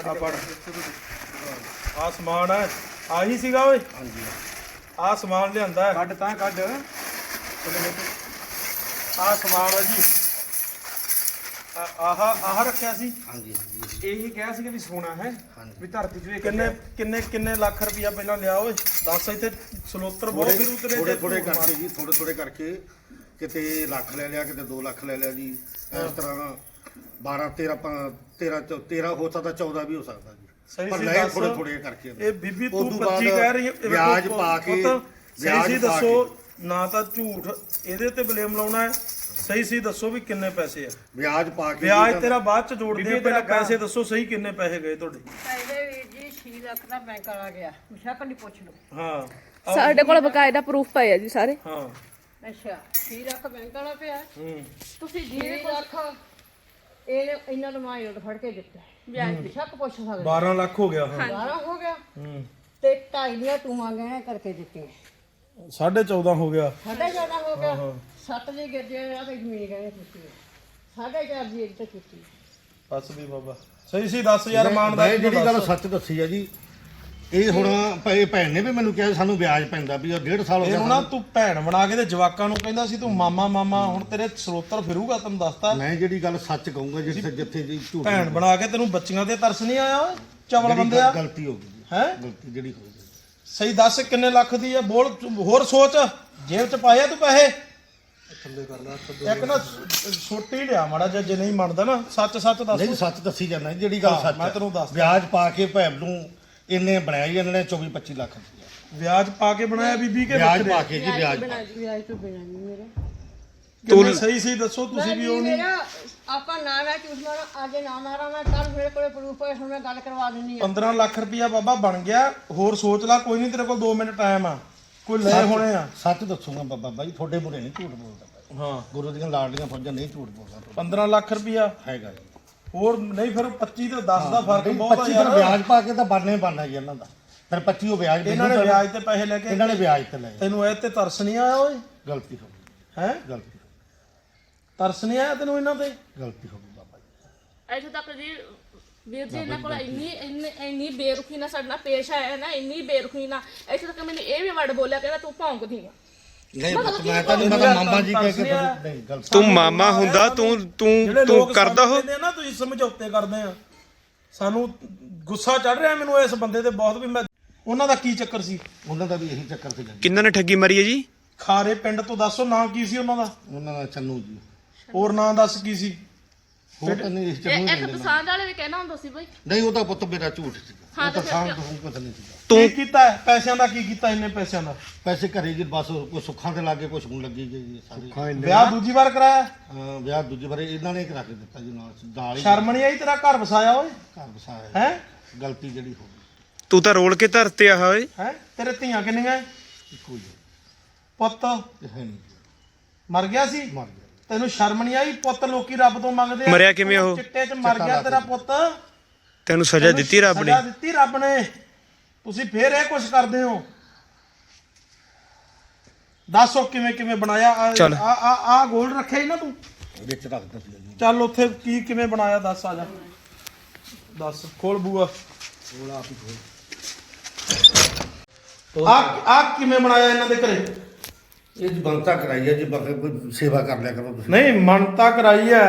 Speaker 3: ਆ ਸਮਾਨ ਹੈ, ਆਹੀ ਸੀਗਾ ਓਏ।
Speaker 4: ਹਾਂਜੀ।
Speaker 3: ਆ ਸਮਾਨ ਲਿਆਂਦਾ, ਕੱਢ ਤਾਂ ਕੱਢ। ਆ ਸਮਾਨ ਹੈ ਜੀ, ਆਹ ਰੱਖਿਆ ਸੀ।
Speaker 4: ਹਾਂਜੀ। ਹਾਂਜੀ।
Speaker 2: ਇਹੀ ਕਿਹਾ ਸੀ ਕਿ ਸੋਨਾ ਹੈ ਵੀ ਧਰਤੀ 'ਚ
Speaker 3: ਕਿੰਨੇ ਲੱਖ ਰੁਪਇਆ ਪਹਿਲਾਂ ਲਿਆ ਓਏ? ਦੱਸ। ਇੱਥੇ ਸਲੋਤਰ ਬਹੁਤ ਫਿਰ ਉਤਰੇ
Speaker 4: ਥੋੜੇ ਕਰਕੇ ਜੀ, ਥੋੜੇ ਕਰਕੇ ਕਿਤੇ ਲੱਖ ਲੈ ਲਿਆ, ਕਿਤੇ 2 ਲੱਖ ਲੈ ਲਿਆ ਜੀ। ਇਸ ਤਰ੍ਹਾਂ 12 13 ਹੋ ਸਕਦਾ, 14 ਵੀ ਹੋ ਸਕਦਾ ਜੀ।
Speaker 3: ਸਹੀ
Speaker 4: ਪਰ
Speaker 3: ਸੀ
Speaker 4: ਲੈ
Speaker 3: ਦੱਸ।
Speaker 4: ਥੋੜੇ ਕਰਕੇ।
Speaker 3: ਇਹ ਬੀਬੀ ਤੂੰ
Speaker 4: ਉਦੋਂ ਬਾਅਦ
Speaker 3: 25 ਕਹਿ ਰਹੀ ਹੈ,
Speaker 4: ਵਿਆਜ ਪਾ ਕੇ
Speaker 3: ਸਹੀ ਸੀ ਦੱਸੋ, ਨਾ ਤਾਂ ਝੂਠ ਇਹਦੇ ਤੇ ਬਲੇਮ ਲਾਉਣਾ ਹੈ। ਸਹੀ ਸੀ ਦੱਸੋ ਵੀ ਕਿੰਨੇ ਪੈਸੇ ਆ?
Speaker 4: ਵਿਆਜ ਪਾ ਕੇ
Speaker 3: ਵਿਆਜ ਤੇਰਾ ਬਾਅਦ ਚ ਜੋੜਦੇ ਆ, ਪਹਿਲਾਂ ਪੈਸੇ ਦੱਸੋ ਸਹੀ ਕਿੰਨੇ ਪੈਸੇ ਗਏ ਤੁਹਾਡੇ?
Speaker 6: ਪਹਿਲੇ ਵੀਰ ਜੀ 6 ਲੱਖ ਦਾ ਬੈਂਕ ਵਾਲਾ ਗਿਆ, ਮੁਸ਼ਕ ਨਹੀਂ ਪੁੱਛ ਲਓ।
Speaker 3: ਹਾਂ
Speaker 5: ਸਾਡੇ ਕੋਲ ਬਕਾਇਦਾ ਪ੍ਰੂਫ ਪਏ ਆ ਜੀ ਸਾਰੇ।
Speaker 3: ਹਾਂ।
Speaker 6: ਅੱਛਾ 6 ਲੱਖ ਬੈਂਕ ਵਾਲਾ ਪਿਆ,
Speaker 5: ਤੁਸੀਂ
Speaker 6: 6
Speaker 5: ਜਿਹਦੇ
Speaker 6: ਲੱਖ ਇਹ ਇਹਨਾਂ ਨੂੰ ਮਾਈ ਨੋਟ ਫੜ ਕੇ ਦਿੱਤਾ। ਵਿਆਜ ਮੁਸ਼ਕ ਪੁੱਛ ਸਕਦੇ।
Speaker 3: 12 ਲੱਖ ਹੋ ਗਿਆ। ਹਾਂ।
Speaker 6: 12 ਹੋ ਗਿਆ ਤੇ 2.5 ਦੀਆਂ ਟੂਆਂ ਗਏ ਕਰਕੇ ਦਿੱਤੀਆਂ।
Speaker 3: 14.5 ਹੋ ਗਿਆ।
Speaker 6: 4.5 ਹੋ ਗਿਆ। 7 ਦੀ ਗਿਰਜੇ ਆ ਤੇ ਜ਼ਮੀਨ ਗਏ ਕੀਤੀ। 4.5 ਦੀ ਇੱਕ ਤੇ ਕੀਤੀ।
Speaker 3: ਬਸ ਵੀ ਬਾਬਾ ਸਹੀ ਸੀ ਦੱਸ ਯਾਰ। ਇਮਾਨਦਾਰੀ
Speaker 4: ਮੈਂ ਜਿਹੜੀ ਗੱਲ ਸੱਚ ਦੱਸੀ ਆ ਜੀ, ਇਹ ਹੁਣ ਭੈਣ ਨੇ ਵੀ ਮੈਨੂੰ ਕਿਹਾ ਸਾਨੂੰ ਵਿਆਜ ਪੈਂਦਾ ਵੀ, 1.5 ਸਾਲ ਹੋ
Speaker 3: ਇਹਨੂੰ ਨਾ
Speaker 4: ਗਿਆ।
Speaker 3: ਤੂੰ ਭੈਣ ਬਣਾ ਕੇ ਤੇ ਜਵਾਕਾਂ ਨੂੰ ਕਹਿੰਦਾ ਸੀ ਤੂੰ ਮਾਮਾ, ਹੁਣ ਤੇਰੇ ਸਰੋਤਰ ਫਿਰੂਗਾ, ਤੈਨੂੰ ਦੱਸਤਾ।
Speaker 4: ਮੈਂ ਜਿਹੜੀ ਗੱਲ ਸੱਚ ਕਹੂੰਗਾ, ਜਿੱਥੇ ਜੀ ਝੂਠ
Speaker 3: ਭੈਣ ਬਣਾ ਕੇ ਤੈਨੂੰ ਬੱਚੀਆਂ ਤੇ ਤਰਸ ਨਹੀਂ ਆਇਆ ਓਏ? ਚਵਲ ਬੰਦੇ ਆ।
Speaker 4: ਗਲਤੀ ਹੋ ਗਈ
Speaker 3: ਹੈ
Speaker 4: ਗਲਤੀ ਜਿਹੜੀ ਹੋ ਗਈ।
Speaker 3: ਸਹੀ ਦੱਸ ਕਿੰਨੇ ਲੱਖ ਦੀ ਆ? ਬੋਲ ਹੋਰ ਸੋਚ, ਜੇਬ ਚ ਪਾਇਆ ਤੂੰ ਪੈਸੇ? ਇੱਕ ਨਾ ਛੋਟੀ ਲਿਆ ਮਾੜਾ ਜਿਹਾ, ਜੇ ਨਹੀਂ ਮੰਨਦਾ ਨਾ ਸੱਚ ਦੱਸ।
Speaker 4: ਨਹੀਂ ਸੱਚ ਦੱਸੀ ਜਾਂਦਾ ਜਿਹੜੀ ਗੱਲ ਸੱਚ
Speaker 3: ਮੈਂ ਤੈਨੂੰ ਦੱਸਦਾ।
Speaker 4: ਵਿਆਜ ਪਾ ਕੇ ਭੈਣ ਨੂੰ ਇਹਨੇ ਬਣਾਇਆ ਜੀ, ਇਹਨਾਂ ਨੇ 24-25 ਲੱਖ ਰੁਪਇਆ
Speaker 3: ਵਿਆਜ ਪਾ ਕੇ ਬਣਾਇਆ ਬੀਬੀ ਕੇ?
Speaker 4: ਵਿਆਜ ਪਾ ਕੇ ਜੀ, ਵਿਆਜ ਪਾ ਕੇ।
Speaker 6: ਵਿਆਜ ਤੋਂ ਬਿਨਾਂ ਨਹੀਂ ਮੇਰੇ
Speaker 3: ਤੂੰ ਸਹੀ ਸੀ ਦੱਸੋ, ਤੁਸੀਂ ਵੀ ਉਹ ਨਹੀਂ।
Speaker 6: ਮੇਰਾ ਆਪਾਂ ਨਾ ਝੂਠ ਮਾਰਾਂ, ਅੱਜ ਨਾ ਮਾਰਾਂ ਮੈਂ, ਕੱਲ ਮੇਰੇ ਕੋਲੇ ਪ੍ਰੂਫ ਹੈ, ਹੁਣ ਮੈਂ ਗੱਲ ਕਰਵਾ ਦਿੰਨੀ ਆ।
Speaker 3: 15 ਲੱਖ ਰੁਪਇਆ ਬਾਬਾ ਬਣ ਗਿਆ। ਹੋਰ ਸੋਚ ਲੈ, ਕੋਈ ਨਹੀਂ, ਤੇਰੇ ਕੋਲ 2 ਮਿੰਟ ਟਾਈਮ ਆ, ਕੋਈ ਲੈ ਹੋਣੇ ਆ।
Speaker 4: ਸੱਚ ਦੱਸੂਗਾ ਬਾਬਾ ਬਾਈ, ਤੁਹਾਡੇ ਮੂਹਰੇ ਨਹੀਂ ਝੂਠ ਬੋਲਦਾ।
Speaker 3: ਹਾਂ,
Speaker 4: ਗੁਰੂ ਦੀਆਂ ਲਾਡਲੀਆਂ ਫੌਜਾਂ ਨਹੀਂ ਝੂਠ ਬੋਲਦਾ।
Speaker 3: 15 ਲੱਖ ਰੁਪਇਆ
Speaker 4: ਹੈਗਾ ਜੀ।
Speaker 3: ਹੋਰ ਨਹੀਂ, ਫਿਰ 25 ਤੇ 10 ਦਾ ਫਰਕ ਬਹੁਤ ਆ
Speaker 4: 25
Speaker 3: ਯਾਰ।
Speaker 4: ਵਿਆਜ ਪਾ ਕੇ ਤਾਂ ਬਣਨਾ ਜੀ ਇਹਨਾਂ ਦਾ। ਫਿਰ 25 ਉਹ ਵਿਆਜ
Speaker 3: ਇਹਨਾਂ ਨੇ ਵਿਆਜ ਤੇ ਪੈਸੇ ਲੈ ਕੇ,
Speaker 4: ਇਹਨਾਂ ਨੇ ਵਿਆਜ ਤੇ ਲਏ।
Speaker 3: ਤੈਨੂੰ ਇਹ ਤੇ ਤਰਸ ਨਹੀਂ ਆਇਆ ਓਏ?
Speaker 4: ਗਲਤੀ ਹੋ ਗਈ,
Speaker 3: ਹੈ
Speaker 4: ਗਲਤੀ
Speaker 3: ਤਰਸ ਨਹੀਂ ਆਇਆ ਤੈਨੂੰ ਇਹਨਾਂ ਤੇ?
Speaker 4: ਗਲਤੀ ਹੋ ਗਈ ਬਾਬਾ ਜੀ।
Speaker 5: ਇੱਥੇ ਤੱਕ ਜੀ ਵੀਰ ਜੀ ਇਹਨਾਂ ਕੋਲ ਇੰਨੀ ਬੇਰੁਖੀ ਨਾਲ ਸਾਡੇ ਨਾਲ ਪੇਸ਼ ਆਇਆ ਨਾ, ਇੰਨੀ ਬੇਰੁਖੀ ਨਾਲ। ਇੱਥੇ ਤੱਕ ਮੈਨੂੰ ਇਹ ਵੀ ਵਰਡ ਬੋਲਿਆ ਕਹਿੰਦਾ ਤੂੰ ਭੌਂਕਦੀ ਆ।
Speaker 4: ਨਹੀਂ ਮੈਂ ਤਾਂ ਨਹੀਂ, ਮੈਂ ਤਾਂ ਮਾਮਾ ਜੀ ਕਹਿ ਕੇ ਨਹੀਂ ਗਲਤ।
Speaker 2: ਤੂੰ ਮਾਮਾ ਹੁੰਦਾ, ਤੂੰ ਕਰਦਾ ਹੋ
Speaker 3: ਨਾ, ਤੁਸੀਂ ਸਮਝੌਤੇ ਕਰਦੇ ਆ। ਸਾਨੂੰ ਗੁੱਸਾ ਚੜ ਰਿਹਾ ਮੈਨੂੰ ਇਸ ਬੰਦੇ ਤੇ ਬਹੁਤ ਵੀ। ਮੈਂ ਉਹਨਾਂ ਦਾ ਕੀ ਚੱਕਰ ਸੀ?
Speaker 4: ਉਹਨਾਂ ਦਾ ਵੀ ਇਹੀ ਚੱਕਰ ਸੀ ਜੀ।
Speaker 2: ਕਿੰਨਾਂ ਨੇ ਠੱਗੀ ਮਾਰੀ ਹੈ ਜੀ?
Speaker 3: ਖਾਰੇ ਪਿੰਡ ਤੋਂ ਦੱਸੋ ਨਾਂ ਕੀ ਸੀ ਉਹਨਾਂ ਦਾ?
Speaker 4: ਉਹਨਾਂ ਦਾ ਚੰਨੂ ਜੀ।
Speaker 3: ਹੋਰ ਨਾਂ ਦੱਸ ਕੀ ਸੀ?
Speaker 4: ਹੋਰ ਤਾਂ ਨਹੀਂ ਇਸ ਚੰਨੂ
Speaker 5: ਇੱਕ ਪਸੰਦ ਵਾਲੇ ਵੀ ਕਹਿਣਾ ਹੁੰਦਾ ਸੀ ਬਈ।
Speaker 4: ਨਹੀਂ ਉਹਦਾ ਪੁੱਤ ਮੇਰਾ ਝੂਠ ਸੀ।
Speaker 5: ਹਾਂ,
Speaker 4: ਉਹ ਤਾਂ
Speaker 5: ਤੇ
Speaker 4: ਸਾਂਭ ਤੋਂ ਪਤਾ ਨਹੀਂ ਸੀਗਾ।
Speaker 3: ਕੀ ਕੀਤਾ ਹੈ? ਪੈਸਿਆਂ ਦਾ ਕੀ ਕੀਤਾ? ਇੰਨੇ ਪੈਸਿਆਂ ਦਾ
Speaker 4: ਪੈਸੇ ਘਰੇ ਜੀ ਬਸ ਕੋਈ ਸੁੱਖਾਂ ਦੇ ਲਾਗੇ ਕੁਛ ਹੁਣ ਲੱਗੀ ਗਈ ਸਾਰੇ।
Speaker 3: ਵਿਆਹ ਦੂਜੀ ਵਾਰ ਕਰਾਇਆ?
Speaker 4: ਵਿਆਹ ਦੂਜੀ ਵਾਰੇ ਇਹਨਾਂ ਨੇ ਕਰਾ ਕੇ ਦਿੱਤਾ ਜੀ ਨਾਲ ਹੀ
Speaker 3: ਸ਼ਰਮ ਨਹੀਂ ਆਈ? ਤੇਰਾ ਘਰ ਵਸਾਇਆ ਓਏ?
Speaker 4: ਘਰ ਵਸਾਇਆ
Speaker 3: ਹੈ
Speaker 4: ਗਲਤੀ ਜਿਹੜੀ ਹੋ ਗਈ।
Speaker 2: ਤੂੰ ਤਾਂ ਰੋਲ ਕੇ ਧਰਤੇ ਆ ਓਏ।
Speaker 3: ਹੈ ਤੇਰੇ ਧੀਆਂ ਕਿੰਨੀਆਂ?
Speaker 4: ਇੱਕੋ ਹੀ
Speaker 3: ਪੁੱਤ
Speaker 4: ਹੈ ਨਹੀਂ,
Speaker 3: ਮਰ ਗਿਆ ਸੀ?
Speaker 4: ਮਰ ਗਿਆ।
Speaker 3: ਤੈਨੂੰ ਸ਼ਰਮ ਨਹੀਂ ਆਈ? ਪੁੱਤ ਲੋਕੀ ਰੱਬ ਤੋਂ ਮੰਗਦੇ ਆ।
Speaker 2: ਮਰਿਆ ਕਿਵੇਂ ਉਹ?
Speaker 3: ਚਿੱਟੇ 'ਚ ਮਰ ਗਿਆ ਤੇਰਾ ਪੁੱਤ।
Speaker 2: ਤੈਨੂੰ ਸਜ਼ਾ ਦਿੱਤੀ ਰੱਬ ਨੇ?
Speaker 3: ਸਜ਼ਾ ਦਿੱਤੀ ਰੱਬ ਨੇ। ਤੁਸੀਂ ਫੇਰ ਇਹ ਕੁਛ ਕਰਦੇ ਹੋ? ਦੱਸੋ ਕਿਵੇਂ ਬਣਾਇਆ? ਆ ਗੋਲਡ ਰੱਖਿਆ ਹੀ ਨਾ ਤੂੰ
Speaker 4: ਵਿੱਚ ਰੱਖ ਦਿੱਤੀ ਜੀ।
Speaker 3: ਚੱਲ ਉੱਥੇ ਕਿਵੇਂ ਬਣਾਇਆ ਦੱਸ? ਆ ਜਾ ਦੱਸ ਖੋਲ ਬੂਆ ਆ ਕਿਵੇਂ ਬਣਾਇਆ ਇਹਨਾਂ ਦੇ ਘਰੇ?
Speaker 4: ਇਹ ਜੀ ਬੰਤਾ ਕਰਾਈ ਹੈ ਜੀ ਬਾਕੀ ਕੋਈ ਸੇਵਾ ਕਰ ਲਿਆ ਕਰੋ ਤੁਸੀਂ।
Speaker 3: ਨਹੀਂ ਮੰਨਤਾ ਕਰਾਈ ਐ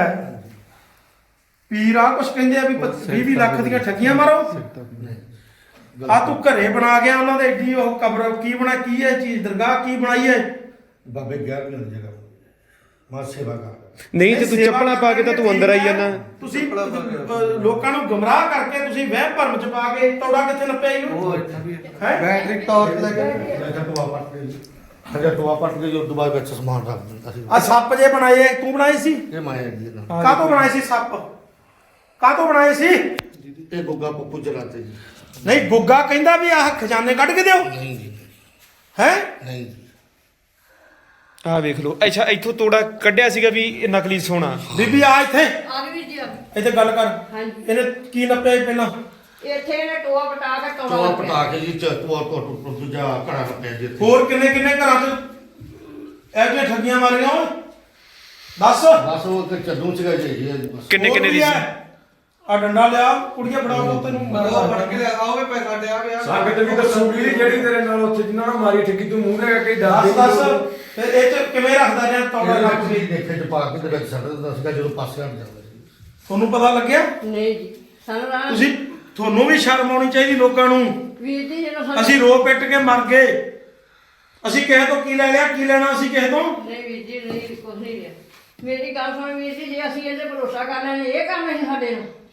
Speaker 3: ਪੀਰਾ ਕੁਛ ਕਹਿੰਦੇ ਆ ਵੀ 20 ਲੱਖ ਦੀਆਂ ਠੱਗੀਆਂ ਮਾਰੋ। ਆ ਤੂੰ ਘਰੇ ਬਣਾ ਗਿਆ ਉਹਨਾਂ ਦੇ ਏਡੀ ਉਹ ਕਬਰ ਕੀ ਬਣਾ ਕੀ ਹੈ ਚੀਜ਼ ਦਰਗਾਹ ਕੀ ਬਣਾਈ ਹੈ?
Speaker 4: ਬਾਬੇ 11 ਮਿਲ ਜਗ੍ਹਾ ਮੈਂ ਸੇਵਾ ਕਰ
Speaker 2: ਨਹੀਂ ਤੇ ਤੂੰ ਚੱਪਲਾਂ ਪਾ ਕੇ ਤਾਂ ਤੂੰ ਅੰਦਰ ਆਈ ਜਾਂਦਾ।
Speaker 3: ਤੁਸੀਂ ਲੋਕਾਂ ਨੂੰ ਗੁੰਮਰਾਹ ਕਰਕੇ ਤੁਸੀਂ ਵਹਿਮ ਭਰਮ ਚ ਪਾ ਕੇ ਤੋੜਾ ਕਿੱਥੇ ਨੱਪਿਆ ਇਹਨੂੰ ਹੈ?
Speaker 1: ਬੈਟਰੀ ਟਾਰਚ ਲੱਗੇ
Speaker 4: ਮੈਂ ਟੋਆ ਪੱਟ ਕੇ ਜੀ ਹਜੇ ਟੋਆ ਪੱਟ ਕੇ ਜੋ ਦੁਬਾਰਾ ਵਿੱਚ ਸਮਾਨ ਰੱਖ ਦਿੰਦਾ ਸੀ।
Speaker 3: ਆ ਸੱਪ ਜੇ ਬਣਾਏ ਐ, ਤੂੰ ਬਣਾਏ ਸੀ?
Speaker 4: ਇਹ ਮਾਇਆ ਜੀ ਨਾ
Speaker 3: ਕਾਹਤੋਂ ਬਣਾਏ ਸੀ ਸੱਪ? ਕਾਹਤੋਂ ਬਣਾਏ ਸੀ?
Speaker 4: ਇਹ ਗੁੱਗਾ ਪੱਪੂ ਚਲਾਤੇ ਜੀ।
Speaker 3: ਨਹੀਂ ਗੁੱਗਾ ਕਹਿੰਦਾ ਵੀ ਆਹ ਖਜ਼ਾਨੇ ਕੱਢ ਕੇ ਦਿਓ
Speaker 4: ਨਹੀਂ ਜੀ
Speaker 3: ਹੈ?
Speaker 4: ਨਹੀਂ ਜੀ
Speaker 2: ਆਹ ਵੇਖ ਲਓ। ਅੱਛਾ ਇੱਥੋਂ ਤੋੜਾ ਕੱਢਿਆ ਸੀਗਾ ਵੀ ਇਹ ਨਕਲੀ ਸੋਨਾ।
Speaker 3: ਬੀਬੀ ਆ ਇੱਥੇ
Speaker 6: ਆ ਗਈ ਵੀਰ ਜੀ ਆ ਗਈ।
Speaker 3: ਇੱਥੇ ਗੱਲ ਕਰ।
Speaker 6: ਹਾਂਜੀ।
Speaker 3: ਇਹਨੇ ਕੀ ਨੱਪਿਆ ਸੀ ਪਹਿਲਾਂ?
Speaker 6: ਇੱਥੇ ਇਹਨੇ ਟੋਆ ਪਟਾ ਕੇ ਟੋਆ
Speaker 4: ਟੋਆ
Speaker 6: ਲੱਭਿਆ।
Speaker 4: ਪਟਾ ਕੇ ਜੀ ਟੋਆ ਟੋਟ ਦੂਜਾ ਘੜਾ ਰੱਖਿਆ ਜੀ ਇੱਥੇ।
Speaker 3: ਹੋਰ ਕਿੰਨੇ ਕਿੰਨੇ ਘਰਾਂ 'ਚ ਇਹੋ ਜਿਹੀਆਂ ਠੱਗੀਆਂ ਮਾਰੀਆਂ ਓਏ? ਦੱਸ।
Speaker 4: ਬਸ ਉਹ ਤੇ ਚੱਲੂ ਸੀਗਾ ਜੀ ਇਹ ਬਸ।
Speaker 2: ਕਿੰਨੇ ਕਿੰਨੇ ਦੀ ਸੀ?
Speaker 3: ਆ ਡੰਡਾ ਲਿਆ ਕੁੜੀਆਂ ਫੜਾਓ ਤੈਨੂੰ
Speaker 1: ਫੜ ਕੇ ਆਓਗੇ ਪੈਸਾ ਡਿਆ ਪਿਆ ਸੰਗਤ ਵੀ ਦੱਸੂਗੀ ਜਿਹੜੀ ਤੇਰੇ ਨਾਲ ਉੱਥੇ ਜਿਨ੍ਹਾਂ ਨਾਲ ਮਾਰੀ ਠੱਗੀ ਤੂੰ ਮੂੰਹ ਲੈ ਕੇ
Speaker 3: ਦੱਸ ਦੱਸ ਫਿਰ ਇਹ ਚ ਕਿਵੇਂ ਰੱਖਦਾ ਰਿਹਾ ਤੋੜਾ
Speaker 4: ਇਹ
Speaker 3: ਰੱਖ
Speaker 4: ਜੀ ਦੇਖੇ ਚ ਪਾ ਕੇ ਤੇ ਵਿੱਚ ਛੱਡ ਦਿੰਦਾ ਸੀਗਾ ਜਦੋਂ ਪਾਸੇ ਹਟ ਜਾਂਦਾ ਸੀ।
Speaker 3: ਤੁਹਾਨੂੰ ਪਤਾ ਲੱਗਿਆ?
Speaker 6: ਨਹੀਂ ਜੀ ਸਾਨੂੰ ਰਾਹ
Speaker 3: ਤੁਸੀਂ ਤੁਹਾਨੂੰ ਵੀ ਸ਼ਰਮ ਆਉਣੀ ਚਾਹੀਦੀ ਲੋਕਾਂ ਨੂੰ।
Speaker 6: ਵੀਰ ਜੀ ਜਦੋਂ ਸਾਨੂੰ
Speaker 3: ਅਸੀਂ ਰੋ ਪਿੱਟ ਕੇ ਮਰ ਗਏ। ਅਸੀਂ ਕਿਸੇ ਤੋਂ ਕੀ ਲੈ ਲਿਆ? ਕੀ ਲੈਣਾ ਅਸੀਂ ਕਿਸੇ ਤੋਂ?
Speaker 6: ਨਹੀਂ ਵੀਰ ਜੀ ਨਹੀਂ ਕੁਝ ਨਹੀਂ ਲਿਆ। ਮੇਰੀ ਗੱਲ ਸੁਣ ਵੀਰ ਜੀ ਜੇ ਅਸੀਂ ਇਹਦੇ ਭਰੋਸਾ ਕਰ ਲੈਣੇ ਇਹ ਕੰਮ ਹੈ ਸਾਡੇ ਨੂੰ